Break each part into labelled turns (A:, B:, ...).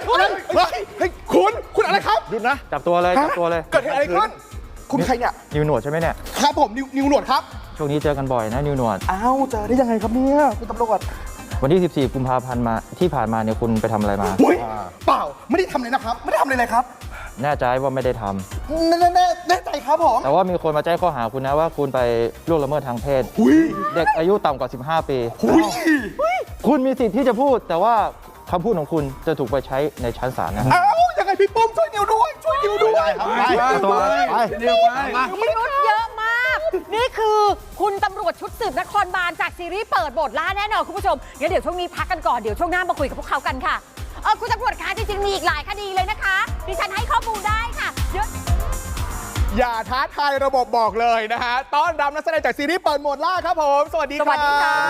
A: เฮ้ยคุณอะไรครับหยุดนะ
B: จับตัวเลยจับตัวเลย
A: เกิดเหตุอะไรขึ้นคุณใครเนี่ย
B: นิวหนวดใช่ไหมเนี่ย
A: ครับผมนิวหนวดครับ
B: ช่วงนี้เจอกันบ่อยนะนิวหนวด
A: อ้าวเจอได้ยังไงครับเนี่ยคุณตำรวจ
B: วันที่ 14 กุมภาพันธ์มาที่ผ่านมาเนี่ยคุณไปทำอะไรมา
A: อุ้ยเปล่าไม่ได้ทำเลยนะครับไม่ได้ทำเลยครับ
B: แน่ใจว่าไม่ได้ทำ
A: แน่ใจครับผม
B: แต่ว่ามีคนมาแจ้งข้อหาคุณนะว่าคุณไปล่วงละเมิดทางเพศ
A: อุ้ย
B: เด็กอายุต่ำกว่า 15 ปี
A: อุ้ย
B: คุณมีสิทธิ์ที่จะพูด แต่ว่าคำพูดของคุณจะถูกไปใช้ในชั้นศาลนะฮะ
A: อ้าวยังไงพี่ปุ้มช่วยนิวด้วยช่วยนิวด้วย
C: พิรุธเยอะมาก นี่คือคุณตำรวจชุดสืบนครบาลจากซีรีส์เปิดบทล่าแน่นอนคุณผู้ชมงั้นเดี๋ยวช่วงนี้พักกันก่อน เดี๋ยวช่วงหน้ามาคุยกับพวกเขากันค่ะคุณตำรวจคะจริงๆมีอีกหลายคดีเลยนะคะดิฉันให้ข้อมูลได้ค่ะเดี๋ยว
A: อย่าท้าทายระบบบอกเลยนะฮะต้อนรับนักแสดงจากซีรีส์เปิดโหมดล่าครับผมสวัสดีครับ
C: สวัสดีครับ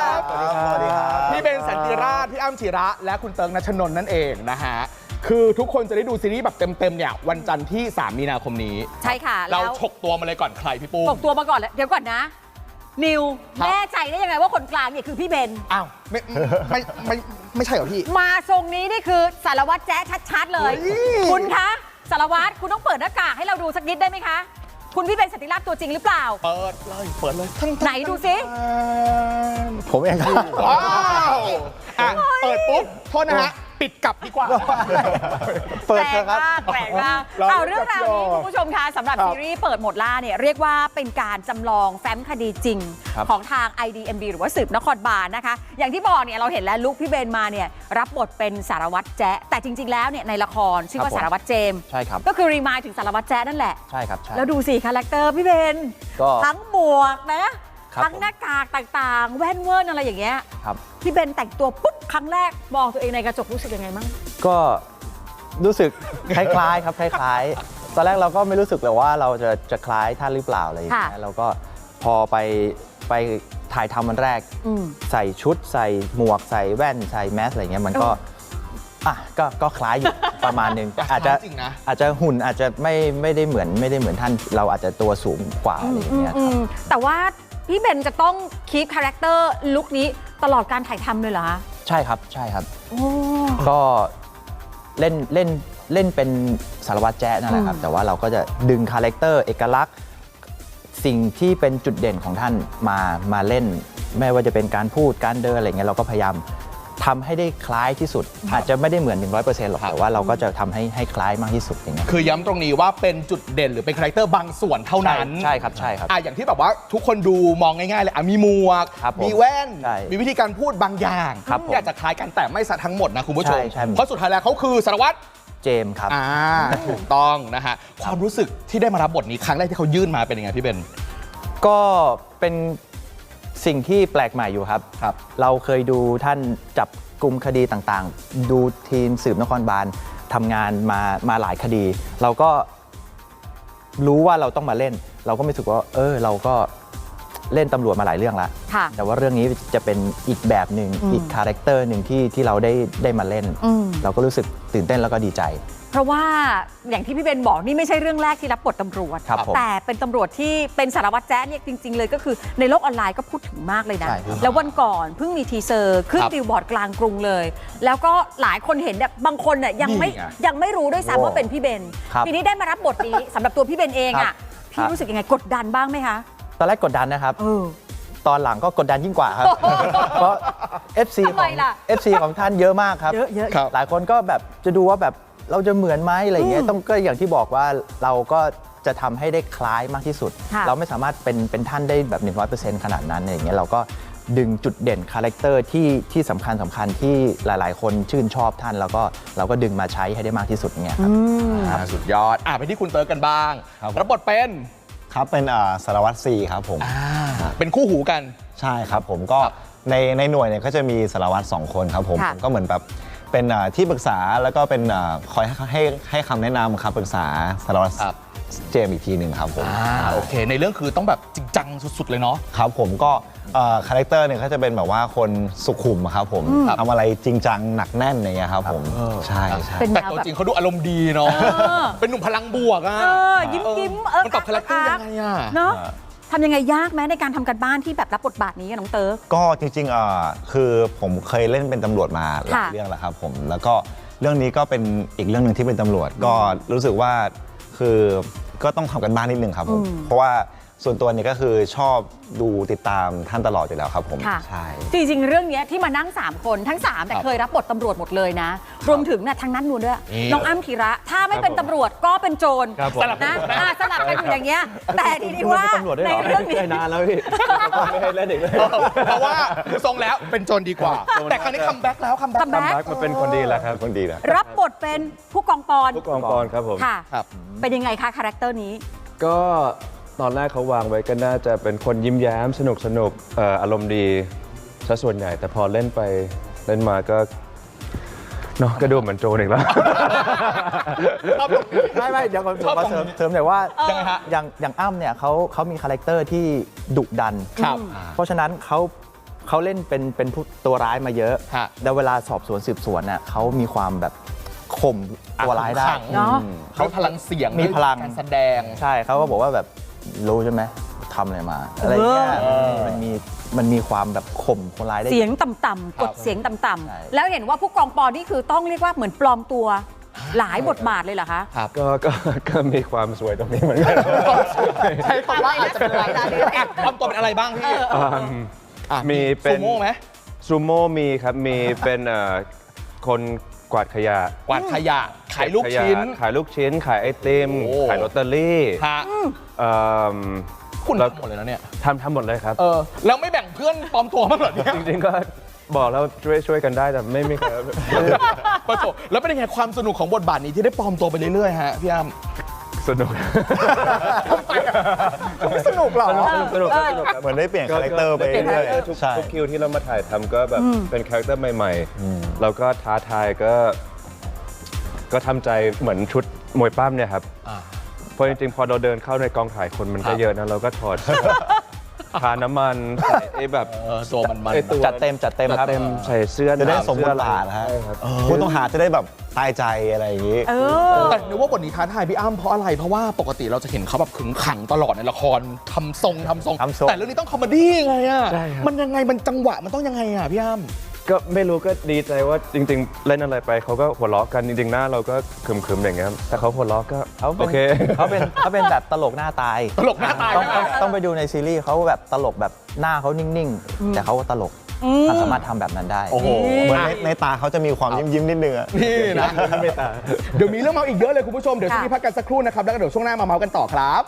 A: สวัสดีครับพี่เบนสันติราชพี่อ้ำจิระ และคุณเติร์กณชนนท์นั่นเองนะฮะคือทุกคนจะได้ดูซีรีส์แบบเต็มๆเนี่ยวันจันทร์ที่ 3 มีนาคมนี้
C: ใช่ค่ะ
A: เรา
C: แล้ว
A: ฉกตัวมาเลยก่อนใครพี่ปุ้ม
C: ตกตัวมาก่อนแล้วเดี๋ยวก่อนนะ นิว
A: ครับ
C: แน่ใจได้ยังไงว่าคนกลางเนี่ยคือพี่เบน
A: อ้าวไม่ใช่เหรอพี่
C: มาทรงนี้นี่คือสารวัตรแจ๊ชัดๆเลย
A: เฮ้ย
C: คุณคะสารวัตรคุณต้องเปิดหน้ากากให้เราดูสักนิดได้ไหมคะ คุณพี่เบนสันติราชตัวจริงหรือเปล่า
A: เปิดเลย
C: ไหนดูสิ
D: ผมเองครับ
A: ว้าวอ่ะเปิดปุ๊บโทษนะฮะปิดกลับดีกว่า
D: เปิดเถอะครับ
C: แปลกมาก
A: เรา
C: เอาเรื่องราวนี้
A: เรา
C: คุณผู้ชมคะสำหรับ
A: ครับ
C: ซีรีส์เปิดหมดล่าเนี่ยเรียกว่าเป็นการจำลองแฟ้มคดีจริง
B: ครับ
C: ของทาง IDMB หรือว่าสืบนครบาลนะคะ อย่างที่บอกเนี่ยเราเห็นแล้วลุคพี่เบนมาเนี่ยรับบทเป็นสารวัตรแจ๊ะแต่จริง ๆ แล้วเนี่ยในละครชื่อว่า
B: ครับผม
C: สารวัตรเจมส์
B: ใช่ครับ
C: ก็คือรีมายถึงสารวัตรแจ๊ะนั่นแหละ
B: ใช่ครับใช่
C: แล้วดูสิคาแรคเตอร์พี่เบน
B: ก็
C: ทั้งหมวกนะครับ ทั้งหน้ากากต่างๆ แว่นเวิร์นอะไรอย่างเงี้ย
B: ครับ
C: พี่เบนแต่งตัวปุ๊บครั้งแรกมองตัวเองในกระจกรู้สึกยังไงมั่ง
B: ก็รู้สึกคล้ายๆครับคล้ายๆ ตอนแรกเราก็ไม่รู้สึกเลยว่าเราจะคล้ายท่านหรือเปล่าอะไรอย่างเงี้ยเราก็พอไปถ่ายทำวันแรก ใส่ชุดใส่หมวกใส่แว่นใส่แมสอะไรเงี้ยมันก็ก็คล้ายอยู่ ประมาณนึงแต่อาจจะ
A: จริงนะ
B: อาจจะหุ่นอาจจะไม่ได้เหมือนท่านเราอาจจะตัวสูงกว่าอะไรอย่างเงี้ยครับ
C: แต่ว่าพี่เบนจะต้องคีปคาแรคเตอร์ลุคนี้ตลอดการถ่ายทำเลยเหรอคะ
B: ใช่ครับใช่ครับ
C: โอ้
B: ก็เล่นเป็นสารวัตรแจ๊ะนั่นแหละครับ แต่ว่าเราก็จะดึงคาแรคเตอร์เอกลักษณ์สิ่งที่เป็นจุดเด่นของท่านมาเล่น ไม่ว่าจะเป็นการพูดการเดินอะไรเงี้ยเราก็พยายามทำให้ได้คล้ายที่สุด อาจจะไม่ได้เหมือน 100% หรอก แต่ว่าเราก็จะทำให้คล้ายมากที่สุดอย่างเงี้ย
A: คือย้ำตรงนี้ว่าเป็นจุดเด่นหรือเป็นคาแรคเตอร์บางส่วนเท่านั้น
B: ใช่ครับใช่ครับ
A: อย่างที่แบบว่าทุกคนดูมองง่ายๆเลยมีหมวก
B: ครับผม
A: มีแว่น
B: ใช่
A: มีวิธีการพูดบางอย่าง
B: ครับผม
A: ที่อาจจะคล้ายกันแต่ไม่ซะทั้งหมดนะคุณผู้ชม
B: ใช่
A: เพราะสุดท้ายแล้วเขาคือสารวัตร
B: เจมส์ครับ
A: ถูกต้องนะฮะความรู้สึกที่ได้มารับบทนี้ครั้งแรกที่เขายื่นมาเป็นยังไงพี่เบน
B: ก็เป็นสิ่งที่แปลกใหม่อยู่ครับ เราเคยดูท่านจับกลุ่มคดีต่างๆ ดูทีมสืบนครบาลทำงานมาหลายคดี เราก็รู้ว่าเราต้องมาเล่น เราก็ไม่รู้สึกว่าเราก็เล่นตำรวจมาหลายเรื่องแล้ว
C: ค่ะ
B: แต่ว่าเรื่องนี้จะเป็นอีกแบบหนึ่งอีกคาแรคเตอร์หนึ่งที่เราได้มาเล่น เราก็รู้สึกตื่นเต้นแล้วก็ดีใจ
C: เพราะว่าอย่างที่พี่เบนบอกนี่ไม่ใช่เรื่องแรกที่รับบทตำรวจ
B: ครับผม
C: แต่เป็นตำรวจที่เป็นสารวัตรแจ๊ะเนี่ยจริง ๆ เลยก็คือในโลกออนไลน์ก็พูดถึงมากเลยนะ
B: ใช่ครับ
C: แล้ววันก่อนเพิ่งมีทีเซอร์ขึ้น
A: ครับ
C: บิลบอร์ดกลางกรุงเลย แล้วก็หลายคนเห็นเนี่ยบางคนเนี่ยยังไม่รู้ด้วยซ้ำว่าเป็นพี่เบน
B: ครับ
C: ทีนี้ได้มารับบทนี้ สำหรับตัวพี่เบนเอง
B: ครั
C: อ่ะ
B: บ
C: พี่รู้สึกยังไงกดดันบ้างไหมคะ
B: ตอนแรกกดดันนะครับ ตอนหลังก็กดดันยิ่งกว่าครับ เพราะ FC
C: ทำไมล่ะ
B: ของท่านเยอะมากครับ
C: เยอะ
A: ครับ
B: หลายคนก็แบบจะดูว่าแบบเราจะเหมือนไหมอะไรอย่างเงี้ยต้องก็อย่างที่บอกว่าเราก็จะทำให้ได้คล้ายมากที่สุด
C: ค่ะ
B: เราไม่สามารถเป็นท่านได้แบบ 100% ขนาดนั้นอะไรอย่างเงี้ยเราก็ดึงจุดเด่นคาแรคเตอร์ที่สำคัญที่หลายๆ คนชื่นชอบท่านแล้วก็เราก็ดึงมาใช้ให้ได้มากที่สุดอย่างเงี้ยครับ
A: สุดยอดไปที่คุณเติร์กกันบ้าง
D: ครับ
A: รับบทเป็น
D: ครับเป็นสารวัตรซีครับผม
A: เป็นคู่หูกัน
D: ใช่ครับผมก็ในหน่วยเนี่ยก็จะมีสารวัตร2 คนครับผม
C: ค่ะ
D: ผมก็เหมือนแบบเป็นที่ปรึกษาแล้วก็เป็นคอยให้คำแนะนำครับปรึกษาสารวัตร
A: ครับ
D: เจมส์อีกทีหนึ่งครับผม
A: โอเค ในเรื่องคือต้องแบบจริงจังสุดๆเลยเนาะ
D: ครับผมก็คาแรคเตอร์เนี่ยก็จะเป็นแบบว่าคนสุขุมครับผมทำอะไรจริงจังหนักแน่นอย่างเงี้ยครับผมใช่ใช่
C: เป็น
A: แต่
C: แนว
A: ตัว
C: แบบ
A: จริงเขาดูอารมณ์ดีเนาะ เป็นหนุ่มพลังบวกอ่ะ
C: ยิ้ม
A: มันปรับคาแรคเตอร์ยังไงอ่ะ
C: เนาะทำยังไงยากไหมในการทำการบ้านที่แบบรับบทบาทนี้กับน้องเติร์ก
D: ก็จริงๆคือผมเคยเล่นเป็นตำรวจมาหลาย
C: ค่ะ
D: เรื่องแล้วครับผมแล้วก็เรื่องนี้ก็เป็นอีกเรื่องหนึ่งที่เป็นตำรวจก็รู้สึกว่าคือก็ต้องทำกันบ้านนิดนึงครับผมเพราะว่าส่วนตัวนี้ก็คือชอบดูติดตามท่านตลอดอยู่แล้วครับผม
C: ค่ะ
D: ใช่
C: จริงๆ เรื่องเนี้ยที่มานั่ง 3 คนทั้ง 3 แต่เคยรับบทตำรวจหมดเลยนะ รวมถึงทางนั้นนูนด้วย
A: นี่
C: น้องอ้ำธีระ ถ้าไม่เป็นตำรวจก็เป็นโจร
E: ครับผม
C: นะสลับกันอยู่อย่างเงี้ยแต่ทีนี้ว่าในเรื่องนี้
E: ได้นานแล้วพี่ ไม่ให้เล่นอีกเลย
A: เพราะว่าดูทรงแล้วเป็นโจรดีกว่า แต่ครั้งนี้คัมแบ็กแล้วคัมแบ็ก
C: คัมแบ็ค
E: บักมาเป็นคนดีแล้วครับ
D: คนดีนะ
C: รับบทเป็นผู้กองปอน
E: ผู้กองปอนครับผม
C: ค่ะ
A: ครับ
C: เป็นยังไงคะคาแรคเตอร์นี้
E: ก็ตอนแรกเขาวางไว้ก็น่าจะเป็นคนยิ้มแย้มสนุกอารมณ์ดีซะส่วนใหญ่ แต่พอเล่นไปเล่นมาก็เนาะก็ดูเหมือนโจรอีกแล้ว
B: ไม่เดี๋ยวผมมาเสริมหน่อยว่า
A: ยังไงฮะ
B: อย่างอ้ำเนี่ยเขามีคาแรคเตอร์ที่ดุดัน
A: ครับ
B: เพราะฉะนั้นเขาเล่นเป็นผู้ตัวร้ายมาเยอะ
A: ฮะ
B: แล้วเวลาสอบสวนสืบสวนน่ะเขามีความแบบข่มตัวร้ายได้
A: ขัง
C: เนาะ
A: เขาพลังเสียง
B: มีพลัง
A: การแสดง
B: ใช่เขาก็บอกว่าแบบรู้ใช่ไหมทำอะไรมาอะไรเงี้ยมันมีความแบบข่มคนร้ายได้
C: เสียงต่ำๆกดเสียงต่
B: ใช่
C: ำๆแล้วเห็นว่าผู้กองปอนนี่คือต้องเรียกว่าเหมือนปลอมตัวหลายบทบาทเลยเหรอคะ
E: ก็มีความสวยตรงนี้เหมือนกัน
A: ใช่คำว่าอาจจะเป็นอะไรทำตัวเป็นอะไรบ้างพี่ อ่ะ
E: มีเป็น
A: ซูโม่ไหม
E: ซูโม่มีครับมีเป็นคนกวาดขยะ
A: กวาดขยะขายลูกชิ้น
E: ขายลูกชิ้น ขายไอติม
A: โอ้
E: ขายลอตเตอรี่
A: ฮะ
E: เอิ่ม
A: คุณ
E: แล้ว
A: ทำหมดเลยนะเนี่ย
E: ทำหมดเลยครับ
A: แล้วไม่แบ่งเพื่อนปลอมตัวบ้างเหรอเนี่ย
E: จริงๆก็บอกแล้วช่วยกันได้แต่ไม่มีใคร
A: ปะโถแล้วเป็นยังไงความสนุกของบทบาทนี้ที่ได้ปลอมตัวไปเรื่อยๆฮะพี่อ้ำ
E: สนุก
A: ไม่สนุกหรอ
E: สนุกครับ
D: เหมือนได้เปลี่ยนคาแรคเตอร์ไปเรื่อย
E: ทุก
D: ๆใช่
E: คิวที่เรามาถ่ายทำก็แบบเป็นคาแรคเตอร์ใหม่ๆแล้วก็ท้าทายก็ทำใจเหมือนชุดมวยปั้มเนี่ยครับเพราะจริงๆพอเราเดินเข้าในกองถ่ายคนมันก็เยอะนะเราก็ถอดเสื้อทาน้ำมันใส่ไอ้แบบ
A: ตัวมัน
E: ไอ้ตัว
B: จัดเต็มครับ
E: เต็มใส่เสื้อ
D: จะได้
E: หนาว
D: สมบทบาทนะฮะ
E: ใช่ครับ
D: ผู้ต้องหาจะได้แบบตายใจอะไรอย่างนี้
A: แต่นึกว่าบทนี้ท้าทายพี่อ้ำเพราะอะไร เพราะว่าปกติเราจะเห็นเขาแบบขึงขังตลอดในละครทำทรงแต่เรื่องนี้ต้องคอมเมดี้ไงอ่ะ
E: ใช่ครับ
A: มันยังไงมันจังหวะมันต้องยังไงอ่ะพี่อ้ำ
E: ก็ไม่รู้ก็ดีใจว่าจริงๆ เล่นอะไรไปเขาก็หัวเราะกันจริงๆหน้าเราก็คึมๆอย่างเงี้ยแต่เขาหัวเราะก็
B: เขา
E: โอเค
B: เขาเป็นแบบตลกหน้าตาย
A: ตลกหน้าตาย
B: ต้องไปดูในซีรีส์เขาแบบตลกแบบหน้าเขานิ่งๆ แต่เขาก็ตลกเขาสามารถทำแบบนั้นได้
A: โอ้โห
D: เหมือนในตาเขาจะมีความยิ้มๆนิดนึงอะ
A: นี่นะเดี๋ยวมีเรื่องเมาอีกเยอะเลยคุณผู้ชมเดี๋ยวช่วงนี้พักกันสักครู่นะครับแล้วก็เดี๋ยวช่วงหน้ามาเมากันต่อครับ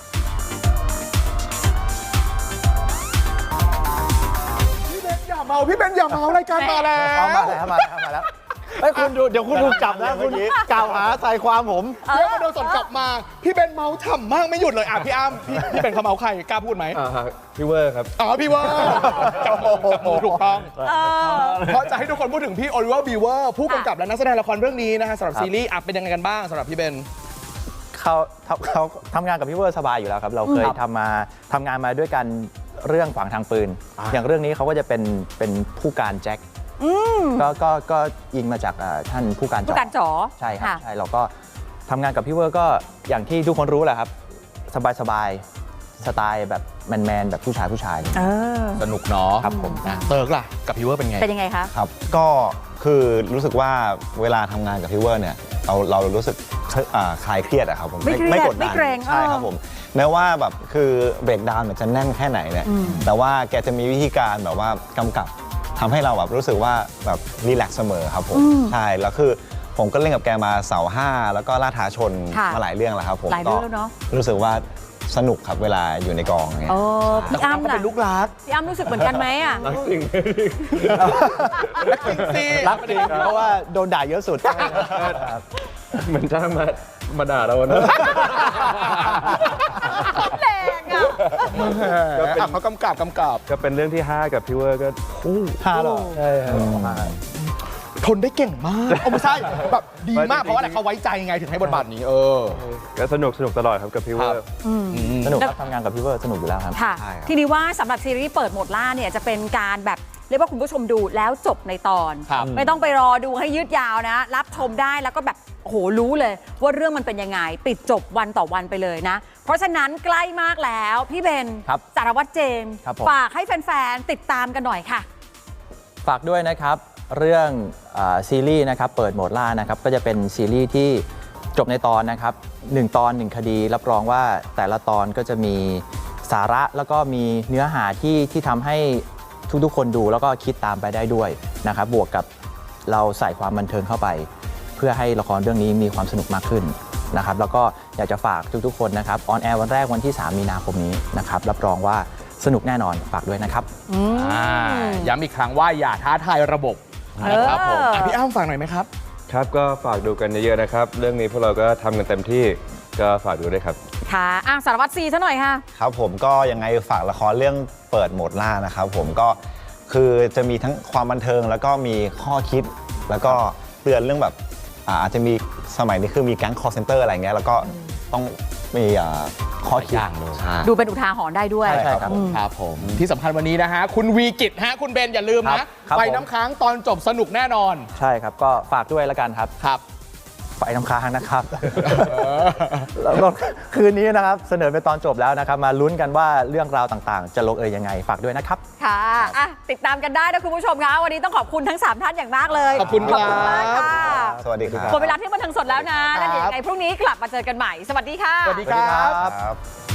A: พี่เบนอย่าเมารายการมาแล้ว
B: มาแล้วเฮ้ยคุณดูเดี๋ยวคุณถูกจับนะคุณกล่าวหาใส่ความผม
A: เดี๋ยวมาโดนสดกลับมาพี่เบนเมาฉ่ำมากไม่หยุดเลยอ่ะพี่อ้ำพี่เป็นเขาเมาใครกล้าพูดไหม
E: พี่เวอร์ครับ
A: อ๋อพี่ว่าจับมือถูกต้องเพราะจะให้ทุกคนพูดถึงพี่โอลิเวอร์บีเวอร์ผู้กำกับและนักแสดงละครเรื่องนี้นะฮะสำหรับซีรีส์เป็นยังไงกันบ้างสำหรับพี่เบน
B: เขาทำงานกับพี่เวอร์สบายอยู่แล้วครับ เราเคยทำงานมาด้วยกันเรื่องขวางทางปืน อย่างเรื่องนี้เขาก็จะเป็นผู้การแจ็คก็อิงมาจากท่านผู้การ
C: ผู้การจ๋อ
B: ใช่ครับใช่เราก็ทำงานกับพี่เวอร์ก็อย่างที่ทุกคนรู้แหละครับสบายสไตล์แบบแมนๆแบบผู้ชาย
A: สนุกเนาะ
B: ครับผม
A: เติร์กล่ะกับพี่เวอร์เป็นไง
C: เป็นยังไงคะ
D: ครับก็คือรู้สึกว่าเวลาทำงานกับพี่เวอร์เนี่ยเรารู้สึกคลายเครียดอะครับผม
C: ไม่เครียด
D: กดดัน
C: ไม่เกรง
D: ใช่ครับผมแม้ว่าแบบคือเบรกดาวน์เนี่ยจะแน่นแค่ไหนเนี่ยแต่ว่าแกจะมีวิธีการแบบว่ากำกับทำให้เราแบบรู้สึกว่าแบบรีแลกซ์เสมอครับผมใช่แล้วคือผมก็เล่นกับแกมาเสา5แล้วก็ล่าท้าชนมาหลายเรื่องแล้วครับผม
C: หลายเรื่องแล้วเนาะ
D: รู้สึกว่าสนุกครับเวลาอยู่ในกองเนี่ย
C: พี่อ้ำ
A: ก็
C: ล่ะ
A: เป็นลูกรัก
C: พี่อ้ำรู้สึกเหมือนกันไหมอ่ะ
A: รักจริงสิ
B: รักจริงเพราะว่าโดนด่าเยอะสุด
E: เหมือนจ้างมาด่าเรานะ
C: แรงอ่ะ
A: เขากำกับ
E: ก็เป็นเรื่องที่ 5 กับพี่เวอร์ก็
B: 5 หรอ
E: ใช่ครับ
A: ทนได้เก่งมากไม่ใช่แบบดีมากเพราะว่าเขาไว้ใจไงถึงให้บทบาทนี้
E: ก็สนุกตลอดครับกับพี่เวอร์
B: สนุกครับทำงานกับพี่เวอร์สนุกอยู่แล้วครับ
C: ค่ะ
D: ใช่ครับ
C: ทีนี้ว่าสำหรับซีรีส์เปิดโหมดล่าเนี่ยจะเป็นการแบบเรียกว่าคุณผู้ชมดูแล้วจบในตอน
A: ครับ
C: ไม่ต้องไปรอดูให้ยืดยาวนะ รับชมได้แล้วก็แบบโหรู้เลย ว่าเรื่องมันเป็นยังไง ปิดจบวันต่อวันไปเลยนะ เพราะฉะนั้นใกล้มากแล้วพี่เบน
B: ครับ
C: สารวัตรเจมส์
B: ครับผม
C: ฝากให้แฟนๆติดตามกันหน่อยค่ะ
B: ฝากด้วยนะครับเรื่องซีรีส์นะครับเปิดโหมดล่านะครับก็จะเป็นซีรีส์ที่จบในตอนนะครับ1 ตอน 1 คดี รับรองว่าแต่ละตอนก็จะมีสาระแล้วก็มีเนื้อหาที่ทำให้ทุกๆคนดูแล้วก็คิดตามไปได้ด้วยนะครับบวกกับเราใส่ความบันเทิงเข้าไป เพื่อให้ละครเรื่องนี้มีความสนุกมากขึ้นนะครับแล้วก็อยากจะฝากทุกๆคนนะครับออนแอร์วันแรกวันที่ 3 มีนาคมนี้นะครับรับรองว่าสนุกแน่นอนฝากด้วยนะครับ
A: ย้ำอีกครั้งว่าอย่าท้าทายระบบนะครับผมพี่อ้ำฝากหน่อยไหมครับ
E: ครับก็ฝากดูกันเยอะๆนะครับ เรื่องนี้พวกเราก็ทำกันเต็มที่ก็ฝากดูด้วยครับ
C: ค่ะสารวัตรซีซะหน่อยค่ะ
D: ครับผมก็ยังไงฝากละครเรื่องเปิดโหมดล่านะครับผมก็คือจะมีทั้งความบันเทิงแล้วก็มีข้อคิดแล้วก็เตือนเรื่องแบบอาจจะมีสมัยนี้คือมีแก๊ง call center อะไรเงี้ยแล้วก็ต้องมีข้อคิด
A: หลายอย่างเลย
D: ใช่
C: ดูเป็นอุทาหรณ์ได้ด้วย
B: ใช่ครับ
A: ครับผมที่สำคัญวันนี้นะฮะคุณวีกิจฮะคุณเบนอย่าลืม
B: ครั
A: นะ
B: บครับ
A: ไป
B: ผม
A: น้ำค้างตอนจบสนุกแน่นอน
B: ใช่ครับก็ฝากด้วยแล้วกันครับ
A: ครับ
B: ไฟน้ำค้างนะครับ แล้วก็คืนนี้นะครับเสนอเป็นตอนจบแล้วนะครับ มาลุ้นกันว่าเรื่องราวต่างๆ จะลงเอยยังไงฝากด้วยนะครับ
C: ค่ะติดตามกันได้นะคุณผู้ชมคะวันนี้ต้องขอบคุณทั้ง 3 ท่านอย่างมากเลย
A: ขอบคุณครับ
C: มากค่ะ
D: สวัสดีครับ
C: หมดเวลาที่บันเทิงสดแล้วนะแล้วเดี๋ยวยังไงพรุ่งนี้กลับมาเจอกันใหม่ สวัสดีค่ะ
A: สวัสดีครับ
D: ครับ